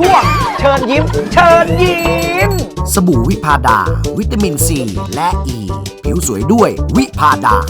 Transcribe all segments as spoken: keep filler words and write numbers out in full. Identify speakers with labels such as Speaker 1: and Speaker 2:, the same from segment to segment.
Speaker 1: ช่วงเชิญยิ้มเชิญยิ้ม
Speaker 2: สบู่วิพาดา วิตามินซีและอ e. ีผิวสวยด้วยวิพาดา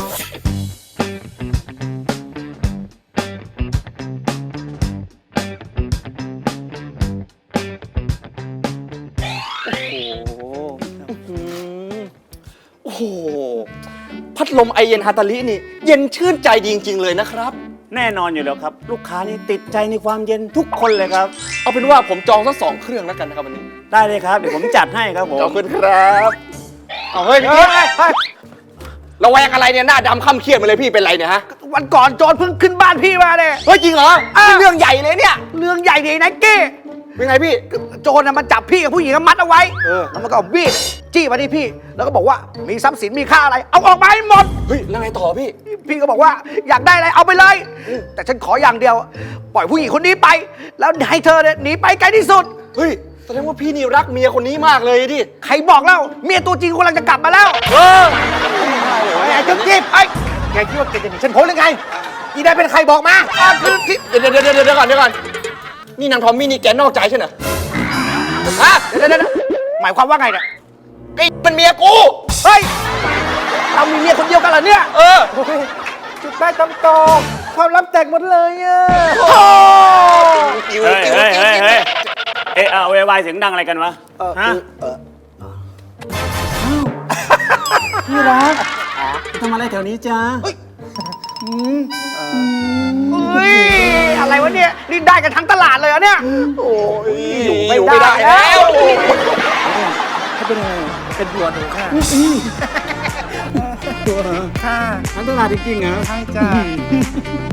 Speaker 3: โอ้โหพัดลมไอเย็นฮาตาลินี่เย็นชื่นใจดีจริงๆเลยนะครับ
Speaker 4: แน่นอนอยู่แล้วครับ ลูกค้านี่ติดใจในความเย็นทุกคนเลยครับ
Speaker 3: เอาเป็นว่าผมจองสักสองเครื่องแล้วกันนะครับวันนี้
Speaker 4: ได้เลยครับ เดี๋ยวผมจัดให้ครับผม
Speaker 3: ขอบคุณครับเอาเฮ้ยพี่ระแวงอะไรเนี่ยหน้าดำค่ำเครียดมาเลยพี่เป็นไรเนี่ยฮะ
Speaker 1: วันก่อนโจรเพิ่งขึ้นบ้านพี่มาเนี่ย
Speaker 3: เฮ้ยจริงเหรอนี่เรื่องใหญ่เลยเนี่ย
Speaker 1: เรื่องใหญ่ดีนะเก้
Speaker 3: เป็นไงพี่
Speaker 1: โจรน่ะมันจับพี่กับผู้หญิงมัดเอาไว้
Speaker 3: เออ
Speaker 1: แล้วมันก็เอามีดจี้มาที่พี่ แล้วก็บอกว่ามีทรัพย์สินมีค่าอะไร เอาออกมาให้หมด
Speaker 3: เฮ้ยแล้วไงต่อพี่
Speaker 1: พี่ก็บอกว่าอยากได้อะไรเอาไปเลย แต่ฉันขออย่างเดียว ปล่อยผู้หญิงคนนี้ไป แล้วให้เธอเนี่ยหนีไปไกลที่สุด
Speaker 3: เฮ้ยแสดงว่าพี่นี่รักเมียคนนี้มากเลยดิ
Speaker 1: ใครบอกแล้วเมียตัวจริงกำลังจะกลับมาแล้ว
Speaker 3: เออ
Speaker 1: ไอ้จุ๊บจิ๊บไอ้แกคิดว่าแกจะหนีฉันพ้นหรือไงอีได้เป็นใครบอกมาอ่ะคือที่
Speaker 3: เดี๋ยวเดี๋ยวเดี๋ยวเดี๋ยวก่อนเดี๋ยวก่อนนี่นางทอมมี่นี่แกนอกใจใช่ไหมฮะ
Speaker 1: เดี๋ยวเดี๋ยวเดี๋ยวหมายความว่าไงเนี่ย
Speaker 3: ไอ้เป็นเมียกู
Speaker 1: เฮ้ยเรามีเมียคนเดียวกันเหรอเนี่ย
Speaker 3: เออ
Speaker 1: จุดได้คำตอบความลับแตกหมดเลยอ่ะโอ้
Speaker 3: จิ๋ว
Speaker 4: เฮ้ย
Speaker 3: จิ๋ว
Speaker 4: เฮ้ย
Speaker 3: จิ๋ว
Speaker 4: เฮ้ยเฮ้ยเอะเอาวายเสียงดังอะไรกันวะฮะ
Speaker 5: พี่รักทำอะไรแถวนี้จ้า
Speaker 1: เฮ้ยอะไรวะเนี่ยนี่ได้กันทั้งตลาดเลยเหรอเนี่ยโอ้ยอยู่ไม่
Speaker 3: อยู่ไม่ได้
Speaker 1: ได้
Speaker 3: แล้
Speaker 1: แล้ว ว
Speaker 5: เขาเป็นอะไรเป็นผัวหนูค่ะตัวเหรอค่ะทั้งตลาดจริงๆเหรอใช่จ้า